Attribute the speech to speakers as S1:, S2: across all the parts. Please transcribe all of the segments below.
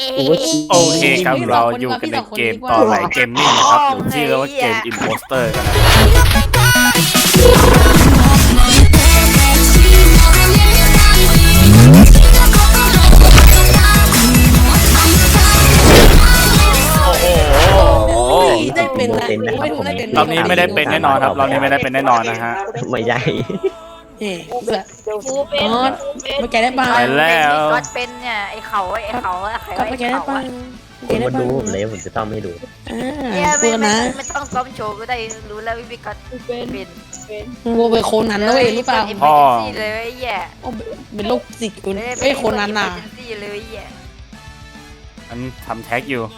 S1: โอเคครับเราอยู่กันในเกมต่อไหลเกมมิ่งนะครับหรือที่เรียกว่าเกมอิมโพสเตอร์กัน
S2: ได้เป็นนะ
S1: รอบนี้ไม่ได้เป็นแน่นอนครับรอบนี้ไม่ได้เป็นแน่นอนนะฮะ
S3: ไม่ใช่
S2: เอ๊ะไม่แกได้ป่ะ
S1: ไปแล้ว
S4: ก็เป็นเนี่ยไอ้เขา
S2: ก็ไม่แกได้ป่ะ
S3: ผมมาดูผมเลยผมจะต้องให้ดู
S4: เนี่ย
S2: พูดนะ
S4: ไม่ต้องซ้อมโชว์ก็ได้รู้แล้ววิก็เป็น
S2: โมเป็นโคนันนะเว้ยหรือเปล่า
S4: พ่อเลยแย่
S2: เป็นโรคจิตกูเอ้ยโคนันน่ะ
S4: เลยแย่
S1: อันทำแท็กอยู่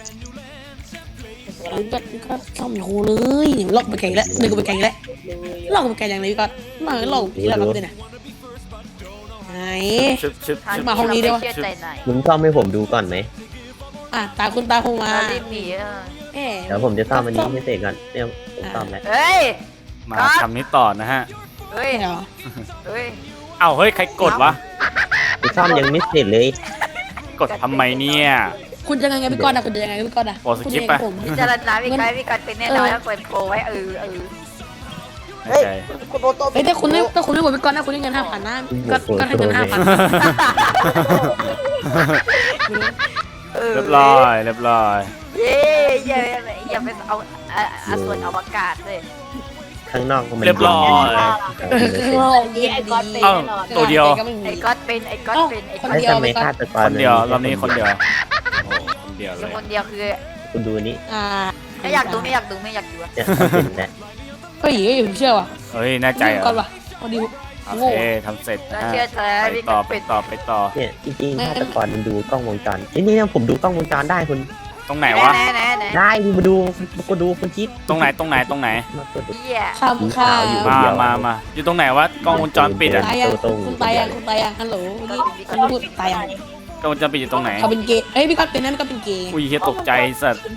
S2: ก็ซ่อมโคเลยลอกไปไกลแล้วนึกไปไกลแล้วลอกไปไกลอย่างไรก็มาลอกพี่เราเนี่ยไหน มาห้องนี้ดีวะ
S3: มึงซ่อมให้ผมดูก่อนไหม
S2: ตาคุณตาคงมา
S4: รีบหนี
S3: เดี๋ยวผมจะซ่อมอันนี้ให้เสร็จก่อนเนี่ยผมซ่อมแล้ว
S4: เฮ้ย
S1: มาทำนี้ต่อนะฮะ
S4: เฮ้ย
S2: เหรอ
S4: เฮ้ย
S1: เอ้าเฮ้ยใครกดวะ
S3: กูซ่อมยังไม่เสร็จเลย
S1: กดทำไมเนี่ย
S2: คุณจะยังไงพี่ก้อนคุณจะยังไงพี่ก้อน
S1: โอ้สกิปไป
S4: พิจารณาวิกัดเป็นแน่นอนแล้วเปิดโคไว้
S1: เฮ้ย
S2: ถ้าคุณไม่กดพี่ก้อนนะคุณได้เงิน5,000นะก็ให้เงิน5,000
S1: เรียบร้อยเรียบร้อย
S4: เย้อย่าไปเอาส่วนอวกาศเลย
S3: ข้างนอกก็มัน
S1: เรียบร้อย
S2: ไอ้ก้อนเป็น
S1: เอ้าตัวเดียว
S4: ไอ้ก๊อตเป็น
S3: ไอ้ทำไมฆาตกร
S1: คนเดียวรอบนี้คนเดียวโอ้คนเดียวเลย
S4: คนเดียวคือ
S3: คุณดูนี่
S4: ไม่อยากดูอะ
S3: เนี่ยเป็นแล้ว
S2: ก็อีกเชื่อว่ะ
S1: เฮ้ยแน่ใจเหรอ
S2: ก่อนว่ะพอดี
S1: โอ
S2: โง่
S1: เคทำเสร็จ
S4: แล้ว
S1: นะ
S4: เชื่อใจ
S1: ไป
S4: วิ
S1: ต่อ
S4: กัด
S1: ไป
S4: เป็น
S1: ต่อไปต่อ
S3: เนี่ยจริงๆฆาตกรมันดูกล้องวงจรนี่ผมดูกล้องวงจรได้คุณ
S1: ตรงไหนวะ
S4: ไหน
S3: ได้มาดูคุณคิด
S1: ตรงไหนตรงไหนตรงไหน
S3: มากดดู
S4: เหี้ย
S2: ข้ามข้าว
S1: มาอยู่ตรงไหนวะกล้องวงจรปิดอะ
S2: คุณตายยังฮัลโหลเมื่อกี้คุณพูดตายยัง
S1: กล้องวงจรปิดอยู่ตรงไหน
S2: เขาเป็นเกย์เอ้ยพี่ก้อนเป็นนั่นก็เป็นเกย์
S1: อุ้ยเฮียตกใจสัตว์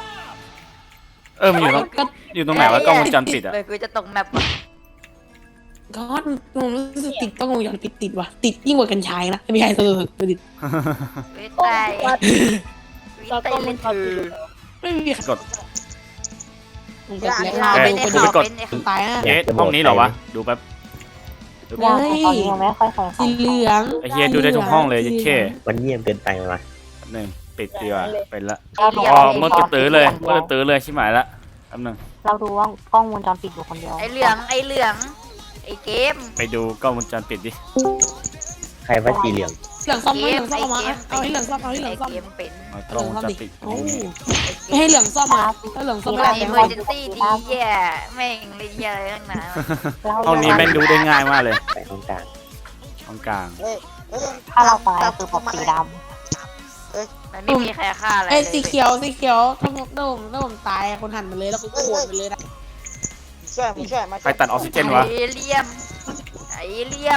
S1: มันอยู่ตรงไหนวะกล้องวงจรปิดอะ
S4: เลยคือจะตกแมป
S2: ก้อนผมรู้สึกติดต้องวงจรปิดติดว่ะติดยิ่งกว่ากัญชานะไม่ใช่ติด
S4: วิตายเล่นถือ
S2: ไม่มี
S1: กด
S2: ผมกดแล้ว ตายอ่ะ
S1: เอ๊ะห้องนี้เหรอวะดูแป๊บ
S2: เฮ้ยสีเหลือง
S1: ไอเฮียดูได้ทุกห้องเลยยัดเข้
S3: มันเงียบเกินไปว่ะ
S1: หนึ่งปิดดีกว่าเป็นละอ๋อเมื่อตื้อเลยชิบหายละแป๊บนึง
S5: เราดูว่ากล้องวงจรปิดอยู่คนเดียว
S4: ไอ้เหลืองไอ้เกม
S1: ไปดูกล้องวงจรปิดดิ
S3: ใครว่าสีเหลือง
S2: เหลืองซ่อมมาเอาให้เหลืองซ่อม
S4: ไอ้เกมเป็น
S1: กล้องวงจรปิด
S2: ไม่ให้เหลืองซ่อมมาถ้าเหลืองซ่อมไม่ได้
S4: เอ
S2: เป็น
S4: เมอร์เจนซี่ดีแย่แม่งเลยแย่อะไรทั้งนั้น
S1: ห้องนี้แม่งดูได้ง่ายมากเลย
S3: ไปห้องกลาง
S1: ห้องกลาง
S5: ถ้าเราตายคือปกสีด
S4: มันไม่มีใครฆ่าอะไร
S2: ไอ้สีเขียวถ้าผมตายคนหันมาเลยแล้วก็โกรธไปเลยนะ
S1: ใครตัดออกซิเจนวะ
S4: ไอเลี่ยม
S2: เรีย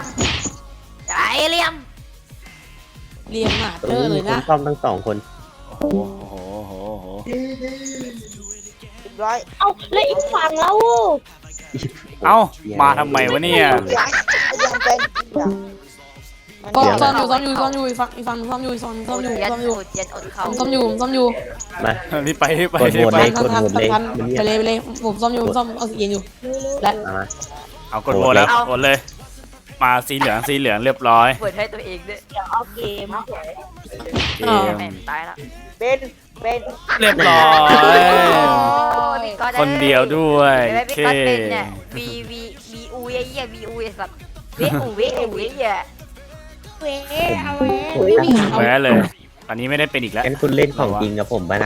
S2: งมาเจอเลยนะ
S3: ซ่อมทั้งสองคน
S1: โอ้โห
S5: ำเอาแล้วอีกฝั่งแล้ว
S1: เอ้ามาทำไมวะเนี่ย
S2: ก็ซ่อมอยู่อีกฝั่งซ่อมอยู่
S3: มา
S1: รีบไป
S2: ไปเลยผมซ่อมเอาสีเย็นอยู่และ
S1: เอากดโหวตแล้วกดเลยมาสีเหลืองเรียบร้อย
S4: เปิดให้ตัวเองด้วย
S5: เดี๋ยวเอาเกม
S1: เกม
S4: แม่ตายละ
S1: เรียบร้อยคนเดียวด้วย
S4: พี่ก็เป็นเนี่ย VU เยี่ย VU สัตว์ VU เยี่ย
S1: แพ้เลยตอนนี้ไม่ได้เป็นอีกแล้ว
S3: งั้นคุณเล่นของจริงกับผมบ้านะ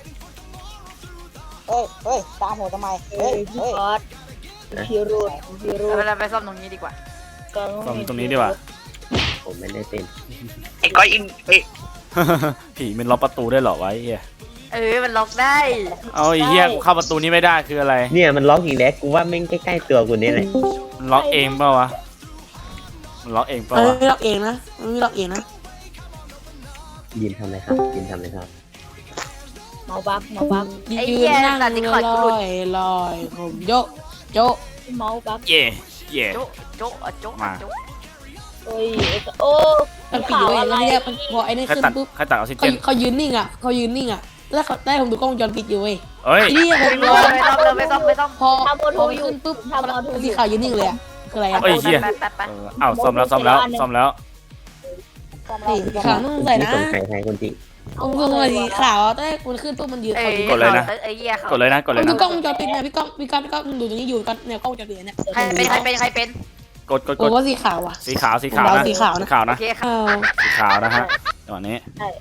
S6: ตามหัวทำไม
S5: พี่ก๊อตพี่รูด
S4: เราไปซ่อมตรงนี้ดีกว่า
S1: ซ่อมตรงนี้ดีกว่า
S3: ผมไม่ได้เป็น
S7: ไอ้ก้อยอินเอ้ย
S1: ผีมันล็อกประตูได้เหรอวะไอ้เหี้ย
S4: มันล็อกได้
S1: เอาไอ้เหี้ยกูเข้าประตูนี้ไม่ได้คืออะไร
S3: เนี่ยมันล็อกอีกแล้วกูว่าแม่งใกล้ๆตัวกูนี่แหละ
S1: มันล็อกเองเปล่าวะมันล็อกเองเปล่าวะ
S2: ไม่ล็อกเองนะไม่ล็อกเองนะ
S3: ยินทำอะไรครับยินทำอะไรครับ
S5: เมาบัก
S2: ยืนนั่งลอยผมโยก
S5: เมาบัก
S1: เย่
S4: โจ๊ะ
S1: มา
S5: เฮ้ยโอ้
S2: มันปิดอยู่เว้ยแล้วเนี่ยพอไอ้นี่
S1: ใคร
S2: ขึ้น
S1: ตัด
S2: ปุ๊บ
S1: ใครตัดออกซิเจน
S2: เขายืนนิ่งอ่ะเขายืนนิ่งอ่ะแล้วเขาได้ผมดูกล้องวงจรปิดอยู่เว้ย
S1: เอ้ย
S2: ไอ้นี่ผม
S4: ไม่
S2: รอ
S4: ต้องไม่ต้อง
S2: พอมันขึ้นปุ๊บสีขาวยืนนิ่งเลยอ่ะคืออะไรอ่ะ
S1: เอ้ยเหี้ย
S4: ไป
S1: อ้าวซ่อมแล้วซ่อมแล้วซ่อมแล้ว
S2: นี่สีขาวต้องใส่
S3: นี่
S2: นะ
S3: สงสัยใครคนที่
S2: ผมสงสัยสีขาวตอนแรกมันขึ้นปุ๊บมันยืนเขายืน
S1: กดเลยนะ
S4: ไอ้เหี้ยเขา
S1: กดเลยนะกดเลย
S2: ดู
S1: นะ
S2: กล้องวงจรปิดนะพี่ก้องดูตรงนี้อยู่กันเนี่ยกล้องวงจรปิดเนี่ย
S4: ใครเป็น
S1: กดกด
S2: ผ
S1: ก
S2: ม
S1: ด
S2: ว่าสีขาวอ่ะ
S1: สีขาวสีขาวนะ
S2: สีขาวนะ
S1: สีขาว
S4: โอ
S1: นะ
S4: เคครับ
S2: อ้าว
S1: สีขาวนะฮะจังหวะนี้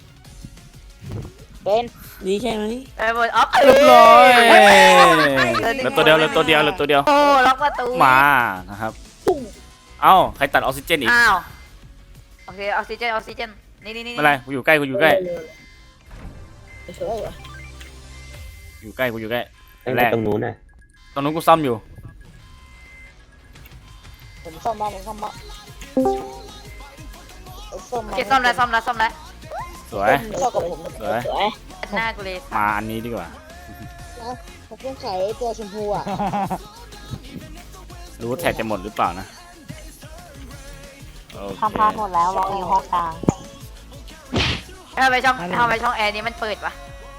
S5: เป็น
S2: ดีใช่ไหม
S4: หมดออฟ
S1: เรียบร้อยเหลือตัวเดียวเหลือตัวเดียวเหลือตัวเดียว
S4: โอ้ล็อกประตู
S1: มานะครับเอ้าใครตัดออกซิเจนอีก
S4: อ้าวโอเคออกซิเจนนี่
S1: ไม่เป็นไรกูอยู่ใกล้กูอยู่ใกล้
S5: เฉย
S1: อยู่ใกล้กูอยู่ใกล้
S3: ตั้ง
S1: แร
S3: แต่
S1: ก
S3: ตรงนู้นน่ะ
S1: ตอนนู้นกูซ่อมอยู่
S5: ผมซ่อมมาผมซ่อมมาซ่อม
S4: โอ
S5: มา
S4: เคซ่อมแล้ว
S1: สวย
S5: ซ่อมกับผม
S1: สวย
S5: สวย
S4: หน้ากูเลย
S1: มาอันนี้ดีกว่า
S5: ผมเพิ่งขายตัวชมพูอ่ะ
S1: รู้ว่าแท็กจะหมดหรือเปล่านะโอเค
S5: ทำพาหมดแล้วรออยู่ห้องกลาง
S4: ทำไมช่องแอร์นี้มันเปิดวะ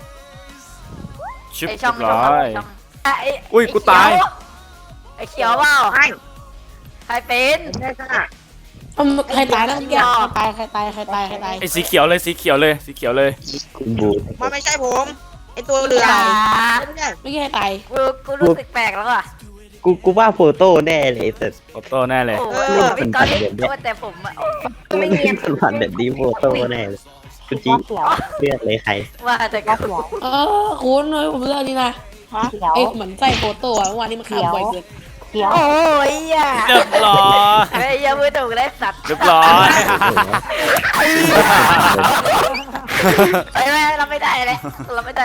S1: ชิป
S4: ไอ
S1: เรี
S4: ช่อย ง
S1: บร้อย
S4: อุ้
S1: ยกูตาย
S4: ไอเขียวเปล่าใครเป็น
S2: ใครตายนะเมื่อกี้ใครตาย
S1: ไอ้สีเขียวเลยสีเขียวเลยสีเขียวเลย
S3: คุณบู
S6: มันไม่ใช่ผมไอตัวเหลืองไม่ใช่
S2: ไม่ใช่ใครตาย
S4: กูรู้สึกแปลกแล้วอ่ะ
S3: กูว่าโฟโต้แน่เลยแต่
S1: โฟโต้แน่เลย
S4: โอ้พี่ก๊อตแต่ผมอ่ะ
S3: ไม่เงียบสันผันแบบนี้โฟโต้แน่เลยคุณจีเลือกเลยใคร
S4: ว่าแต่ก็
S2: คุณเลยผมเลือกนี่นะไอ้เหมือนใส่โฟโต้เมื่อวานนี้มันขาวบ่อยเกิน
S4: โอ้ยอ่ะ
S1: เรียบร้อย
S4: ไอ้ยังไม่ถูกเลยสัตว์
S1: เรียบร้อย
S4: ไม่เราไม่ได้เลยเราไม่ได้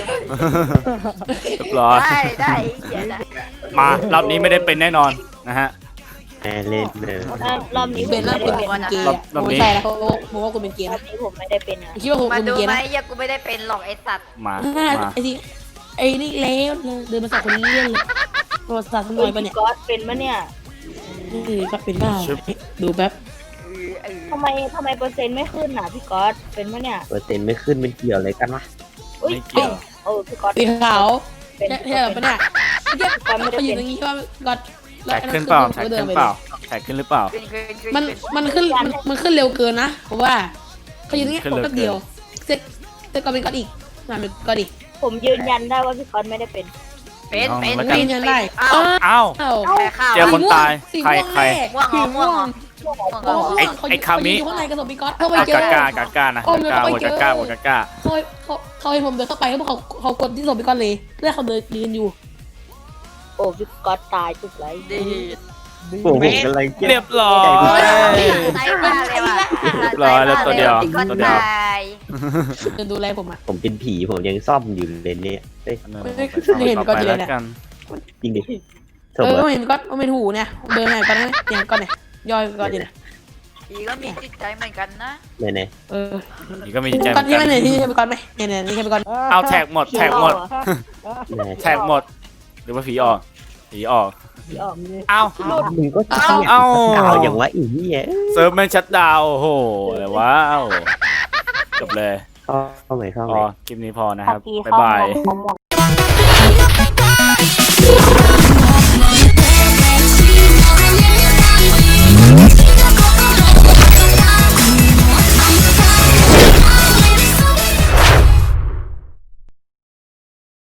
S1: เรียบร้อย
S4: ได้เหี้ยได้
S1: มารอบนี้ไม่ได้เป็นแน่นอนนะฮะ
S3: แม่เล่นเลย
S5: รอบนี้ผ
S2: เป็น
S5: ม
S2: น่า
S5: ไม่
S2: เป็
S5: ได้
S2: น
S5: เป็น
S2: เกย์ไม่ใช่แล้วผมว่าคุณเป็นเกย์
S5: รอ
S2: นะ
S5: บนี้ผมไม่ได้เป็นอ่ะ
S2: คิดว่าผม
S4: มา
S2: เป็น
S4: ดู
S2: เกย์
S4: ไหม
S2: นะ
S4: ยังกูไม่ได้เป็นหรอกไอ้สัตว์
S1: มา
S2: ไอ้ที่ไอ้นี่แล้วเดินมาจากคนนี้เล่นเลยประวัติศาสตร์หน่อยปะเนี่ย
S5: ก๊อตเป็นมะเนี่ย
S2: นี่ก็เป็นบ้าดูแป๊บ
S5: ทำไมเปอร์เซ็นต์ไม่ขึ้นอ่ะพี่ก๊อตเป็นมะเนี่ย
S3: เปอร์เซ็นต์ไม่ขึ้นมันเกี่ยวอะไรกันวะ
S5: อุ้ย
S1: ไม่เกี่ยว
S5: พี่ก๊อต
S2: สีขาว
S5: เป็น
S2: แค่แบบเนี่ยเขาอยู่ตรงนี้ว่าก็
S1: แท็กขึ้นเปล่าแท็กขึ้นเปล่าแท็กขึ้นหรือเปล่า
S2: มันขึ้นเร็วเกินนะเพราะว่าเขาอยู่ตรงนี้แป๊บเดียวเสร็จก็เป็นก้อนอีกมาเป็นก้อนอีก
S5: ผมยืนยันได้ว่าพี่ก๊อตไม่ได้เป็น
S2: ยืนยันได้
S1: อ้าว
S2: อ้าว
S4: แพ้ข้าว
S1: เจอคนตายใครใคร
S4: ม่วง
S1: ไอ้คามิ
S2: อยู่ข้างในกระสอบพี่ก๊อตเข้าไป
S1: เอา
S2: เจอก
S1: ากากานะกากาหัวกากาหัวกากา
S2: เขาให้ผมเดินเข้าไปเขากดที่ศพพี่ก๊อตเลยแล้วเขาเดินยืนอยู่
S5: โอ้พี่ก๊อตตายจุดไร
S4: ดี
S3: ผมกำลัง
S1: เรียบร้อย
S4: ใส่มาเลยว่ะ
S2: เดินดูแลผมอ่ะ
S3: ผมเป็นผีผมยังซ่อมอยู่เลยเนี่ยเฮ้ย
S1: ต่อไปแล้วกัน
S3: จริงดิส
S2: เอ
S3: ม
S2: อ
S3: มติ
S2: เห็นก๊อตเป็นหูเนี่ยเดินไหนก๊อตนะอย่างก๊อตเนี่ยย่อยก๊อตอยู่เนี่ย
S4: อีก็มีจิตใจเหมือนกันนะ
S3: เนี่ย
S2: เออ
S1: นี่ก็มีใจเห
S2: ก๊อ
S1: มื
S2: ต
S1: อน
S2: ที่
S1: กัน
S2: ไม่ไหนที่ใช่ก๊อตไหมเนี่ยนี่ใช่ก๊อต
S1: เอาแท็กหมดแท็กหมด
S3: เนี่ย
S1: แท็กหมดหรือว่าผีออกผีออกเอา
S3: มึงก็เชี่ย
S1: เอา
S3: ดาวอย่างวะอีเหี้ย
S1: เซิร์ฟแม่งชัดดาวโอ้โหอะไรวะจบเลย
S3: เข้าใหม่เข้าให
S1: อ๋
S3: ม่
S1: อคลิปนี้พอนะครับบ๊ายบาย
S5: ผมหมด